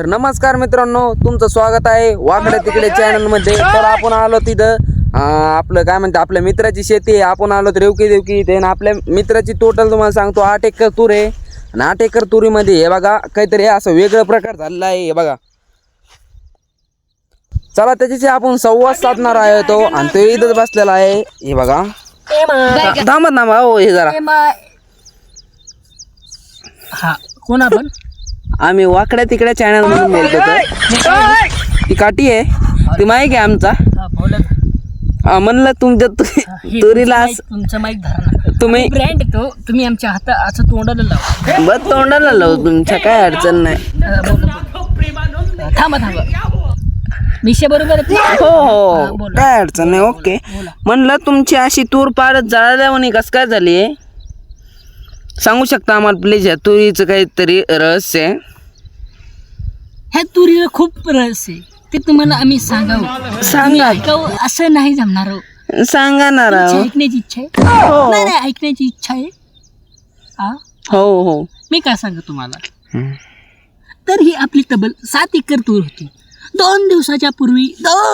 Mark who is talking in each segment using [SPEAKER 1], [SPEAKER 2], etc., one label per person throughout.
[SPEAKER 1] तर नमस्कार मित्रांनो, तुमचं स्वागत आहे वाकडे तिकडे चॅनल मध्ये। तर आपण आलो तिथं आपलं काय म्हणते आपल्या मित्राची शेती आहे। आपण आलो रेवकी देवकी इथे आणि आपल्या मित्राची टोटल तुम्हाला सांगतो 8 एकर तूर आहे आणि 8 एकर तुरीमध्ये हे बघा काहीतरी असं वेगळं प्रकार झालेला आहे। हे बघा, चला त्याच्याशी आपण संवाद साधणार आहे तो, आणि तो इथंच बसलेला आहे। हे बघा, थांबा हो हे जरा।
[SPEAKER 2] हा कोण आपण?
[SPEAKER 1] आम्ही वाकड्या तिकड्या चॅनल मधून बोलतो। तर ती काठी आहे, ती माईक आहे आमचा। म्हणलं तुमच्या तुरीला
[SPEAKER 2] तुमचं माईक धरा,
[SPEAKER 1] तुम्ही
[SPEAKER 2] ब्रँड तो तुम्ही आमच्या हातात असं तोंडाला लावा।
[SPEAKER 1] बस तोंडाला लावू, तुमच्या काय अडचण नाही।
[SPEAKER 2] थांबा मिशे बरोबर
[SPEAKER 1] हो हो काय अडचण नाही, ओके। म्हणलं तुमची अशी तूर पाडत जळाल्यावानी कस काय झाली आहे, सांगू शकता आम्हाला प्लीज? या तुरीचं काहीतरी रहस्य आहे?
[SPEAKER 2] ह्या तुरीला खूप रहस्य आहे, ते तुम्हाला आम्ही सांगावं।
[SPEAKER 1] सांगा,
[SPEAKER 2] असं नाही जमणार।
[SPEAKER 1] सांगा ना राव।
[SPEAKER 2] ऐकण्याची इच्छा आहे?
[SPEAKER 1] हो
[SPEAKER 2] नाही ऐकण्याची इच्छा आहे।
[SPEAKER 1] हो हो
[SPEAKER 2] मी काय सांगू तुम्हाला, तर ही आपली तब्बल 7 एकर तूर होती। 2 दिवसाच्या पूर्वी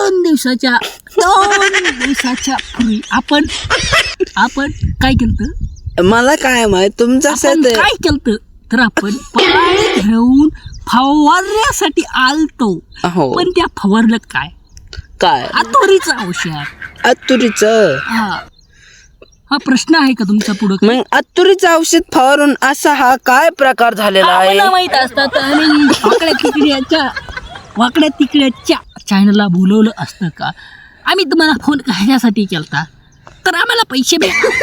[SPEAKER 2] आपण काय केलं?
[SPEAKER 1] मला काय माहित तुमचं
[SPEAKER 2] काय केलं तर आपण पाणी घेऊन फवारण्यासाठी आलतो।
[SPEAKER 1] हो,
[SPEAKER 2] पण त्या फवारलं काय?
[SPEAKER 1] काय
[SPEAKER 2] तुरीचं औषध।
[SPEAKER 1] अतुरीचं?
[SPEAKER 2] हा प्रश्न आहे का तुमच्या पुढं?
[SPEAKER 1] मग अतुरीचं औषध फवारून असा हा काय प्रकार झालेला आहे?
[SPEAKER 2] मला माहित असतात, आम्ही वाकड्या तिकड्याच्या चॅनलला बोलवलं असतं का? आम्ही तुम्हाला फोन कशासाठी केलता, तर आम्हाला पैसे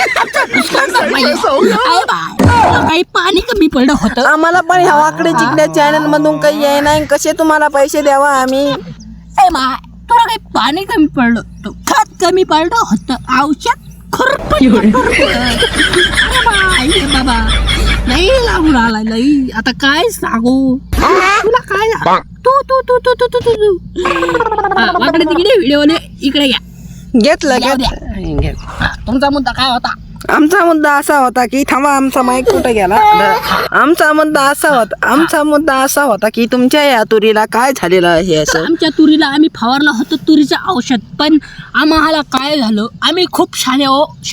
[SPEAKER 2] काही पाणी कमी पडलं होतं।
[SPEAKER 1] आम्हाला पण ह्या वाकडे तिकड्या चॅनल मधून काही आहे नाही, कसे तुम्हाला पैसे द्यावा आम्ही?
[SPEAKER 2] तुला काही पाणी कमी पडलं होतं, खत कमी पडलं होतं, औषध बाबा लई लागून आला लई। आता काय सांगू तुला? काय तू वाकडे तिकडे व्हिडिओ इकडे घ्या।
[SPEAKER 1] घेतलं
[SPEAKER 2] तुमचा मुद्दा काय होता?
[SPEAKER 1] आमचा मुद्दा असा होता की, थांबा आमचा माईक कुठे गेला? आमचा मुद्दा असा होता की तुमच्या या तुरीला काय झालेलं आहे असं?
[SPEAKER 2] आमच्या तुरीला आम्ही फवारलं होतं तुरीचं औषध, पण आम्हाला काय झालं, आम्ही खूप शाणे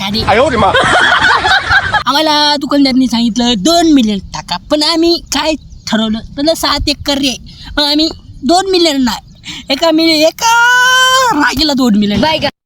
[SPEAKER 2] आम्हाला दुकानदारांनी सांगितलं 2 मिलियन टाका, पण आम्ही काय ठरवलं, त्याला 7 एकर रे, पण आम्ही 2 मिलियन नाही, एका रागीला 2 मिलियन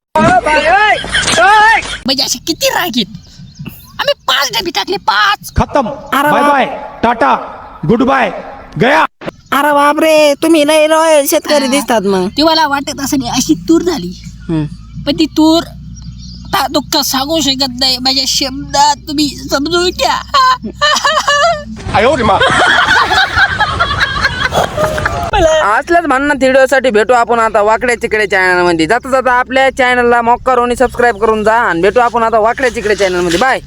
[SPEAKER 2] म्हणजे असे किती रागीत? आम्ही 5 डबी टाकले, 5
[SPEAKER 3] खत्म। Bye bye, tata, good bye, गया।
[SPEAKER 1] अरे बापरे, तुम्ही लय रॉयल शेतकरी दिसतात। मग
[SPEAKER 2] तुम्हाला वाटत असं नाही अशी तूर झाली, पण ती तूर दुःख सांगू शकत नाही, माझ्या शब्दात तुम्ही समजून घ्या।
[SPEAKER 1] असल्याच म्हणणं व्हिडिओसाठी भेटू आपण आता वाकड्या चिकड्या चॅनल मध्ये। जाता आपल्या चॅनलला मॉक्कारोनी सबस्क्राईब करून जा, आणि भेटू आपण आता वाकड्या चिकड्या चॅनल मध्ये। बाय।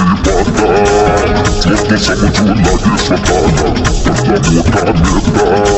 [SPEAKER 4] Somos una que